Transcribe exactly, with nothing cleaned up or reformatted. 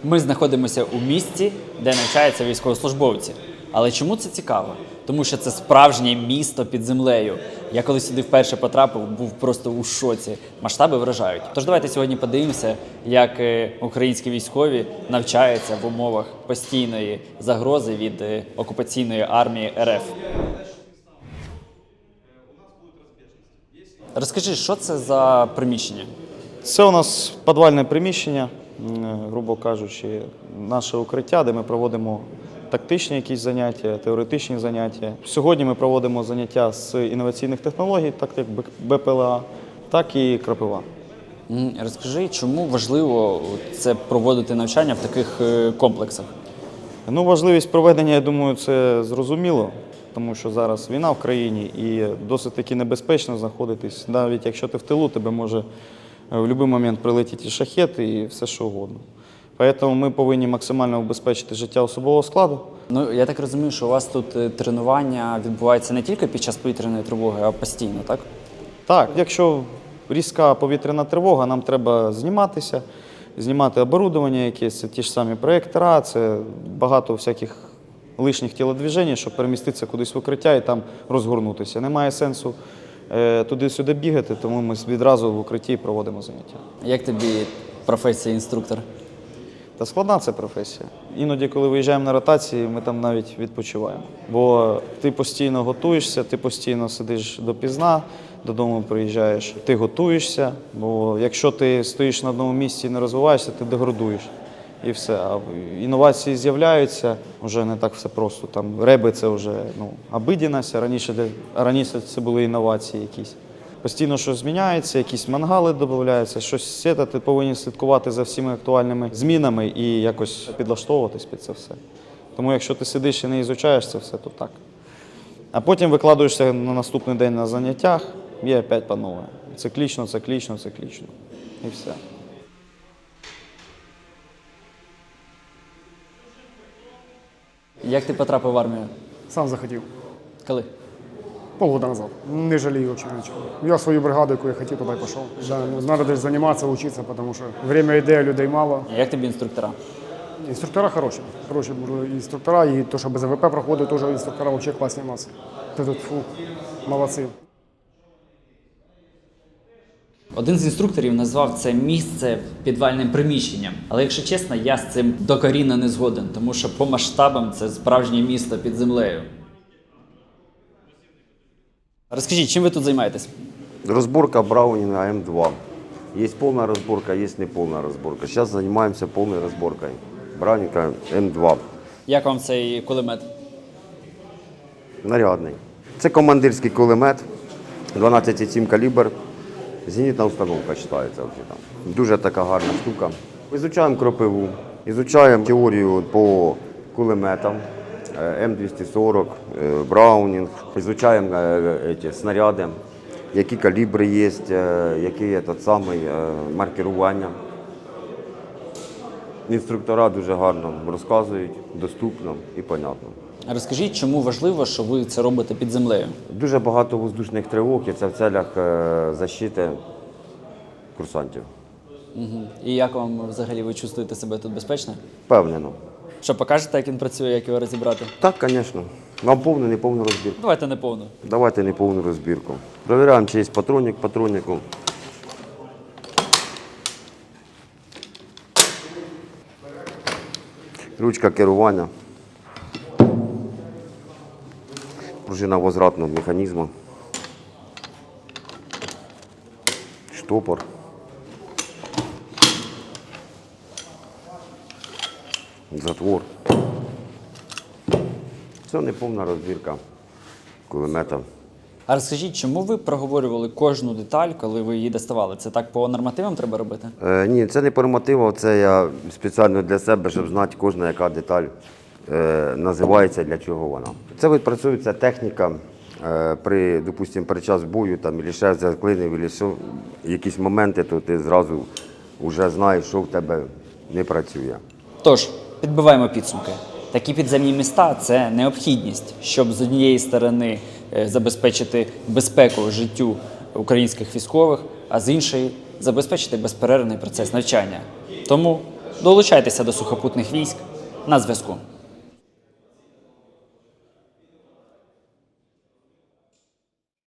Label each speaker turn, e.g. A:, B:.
A: Ми знаходимося у місті, де навчаються військовослужбовці. Але чому це цікаво? Тому що це справжнє місто під землею. Я коли сюди вперше потрапив, був просто у шоці. Масштаби вражають. Тож давайте сьогодні подивимося, як українські військові навчаються в умовах постійної загрози від окупаційної армії РФ. Розкажи, що це за приміщення?
B: Це у нас підвальне приміщення, грубо кажучи, наше укриття, де ми проводимо тактичні якісь заняття, теоретичні заняття. Сьогодні ми проводимо заняття з інноваційних технологій, так як Б П Л А, так і крапива.
A: Розкажи, чому важливо це проводити навчання в таких комплексах?
B: Ну, важливість проведення, я думаю, це зрозуміло, тому що зараз війна в країні і досить таки небезпечно знаходитись. Навіть якщо ти в тилу, тебе може в будь-який момент прилетіти шахет і все що угодно. Тому ми повинні максимально убезпечити життя особового складу.
A: Ну, я так розумію, що у вас тут тренування відбувається не тільки під час повітряної тривоги, а постійно, так?
B: Так, якщо різка повітряна тривога, нам треба зніматися, знімати оборудовання якесь, це ті ж самі проєктора, це багато всяких лишніх тілодвіжень, щоб переміститися кудись в укриття і там розгорнутися. Немає сенсу е, туди-сюди бігати, тому ми відразу в укритті проводимо заняття.
A: Як тобі професія інструктор?
B: Та складна це професія. Іноді, коли виїжджаємо на ротації, ми там навіть відпочиваємо. Бо ти постійно готуєшся, ти постійно сидиш допізна, додому приїжджаєш, ти готуєшся, бо якщо ти стоїш на одному місці і не розвиваєшся, ти деградуєш. І все. А інновації з'являються, вже не так все просто. Там реби – це вже ну, обидість, а раніше, раніше це були інновації якісь. Постійно щось зміняється, якісь мангали додаються, щось це, ти повинен слідкувати за всіма актуальними змінами і якось підлаштовуватись під це все. Тому якщо ти сидиш і не ізучаєш це все, то так. А потім викладуєшся на наступний день на заняттях і опять по-новому. Циклічно, циклічно, циклічно. І все.
A: Як ти потрапив в армію?
C: Сам захотів.
A: Коли?
C: Полгода назад. Не жалею вообще ничего. Я свою бригаду, яку я хотів, туди пішов. Да, ну, надо десь займатися, вчитися, тому що время йде, людей мало.
A: Як тобі інструктора?
C: Інструктора хороші. Хороші інструктора, і то, що Б З В П проходить, теж інструктора вообще класні у нас. Ти тут, фу, молодці.
A: Один з інструкторів назвав це місце підвальним приміщенням. Але, якщо чесно, я з цим докорінно не згоден, тому що по масштабам це справжнє місто під землею. Розкажіть, чим ви тут займаєтесь?
D: Разборка Браунинга М два. Есть полная разборка, есть неполная разборка. Сейчас занимаемся полной разборкой Браунинга М два.
A: Як вам цей кулемет?
D: Нарядний. Це командирський кулемет, дванадцять цілих сім калібр. Зенітна установка вважається. Дуже така гарна штука. Ізучаємо кропиву, ізучаємо теорію по кулеметам. М двісті сорок, Браунінг, изучаем эти снаряди, які калібри є, які этот самий маркерування. Інструктора дуже гарно розказують, доступно і понятно.
A: Розкажіть, чому важливо, що ви це робите під землею?
D: Дуже багато воздушних тривог, і це в целях защити курсантів.
A: Угу. І як вам взагалі, ви чувствуєте себе тут безпечно?
D: Впевнено.
A: Що, покажете, як він працює, як його розібрати?
D: Так, звісно. Вам повну, не повну розбірку.
A: Давайте не повну.
D: Давайте не повну розбірку. Провіряємо, чи є патронник патроннику. Ручка керування. Пружина возвратного механізму. Штопор. Затвор. Це неповна розбірка кулемета.
A: А розкажіть, чому ви проговорювали кожну деталь, коли ви її доставали? Це так по нормативам треба робити?
D: Е, ні, це не по нормативам, це я спеціально для себе, щоб знати кожна яка деталь е, називається, для чого вона. Це відпрацьовується техніка е, при, допустимо, при час бою, там, або ще заклинив, або що, якісь моменти, то ти зразу вже знаєш, що в тебе не працює.
A: Тож, підбиваємо підсумки. Такі підземні міста – це необхідність, щоб з однієї сторони забезпечити безпеку життю українських військових, а з іншої – забезпечити безперервний процес навчання. Тому Долучайтеся до сухопутних військ на зв'язку.